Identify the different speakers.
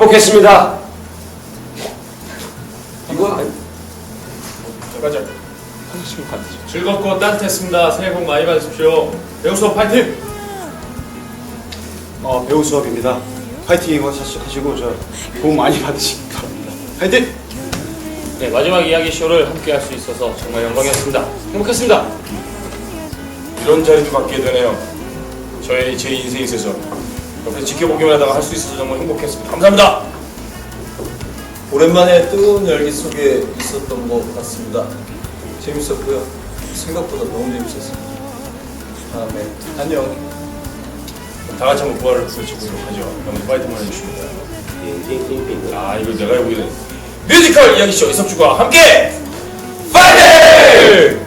Speaker 1: 행복했습니다. 이거
Speaker 2: 가자. 즐겁고 따뜻했습니다. 새해 복 많이 받으십시오. 배우 수업 파이팅!
Speaker 3: 배우 수업입니다. 파이팅 하시고 저 도움 많이 받으시기 바랍니다. 파이팅!
Speaker 2: 네, 마지막 이야기 쇼를 함께 할 수 있어서 정말 영광이었습니다. 행복했습니다. 이런 자리도 갖게 되네요. 제 인생에 있어서 옆에서 지켜보기만 하다가 할 수 있어서 정말 행복했습니다. 감사합니다.
Speaker 4: 오랜만에 뜨거운 열기 속에 있었던 것 같습니다. 재밌었고요. 생각보다 너무 재밌었습니다. 다음에 안녕.
Speaker 2: 다 같이 한번 부활을 외치도록 하죠. 한번 파이팅만 해주십니다. 이거 내가 해보게 된 뮤지컬 이야기쇼 이석주가 함께 파이팅!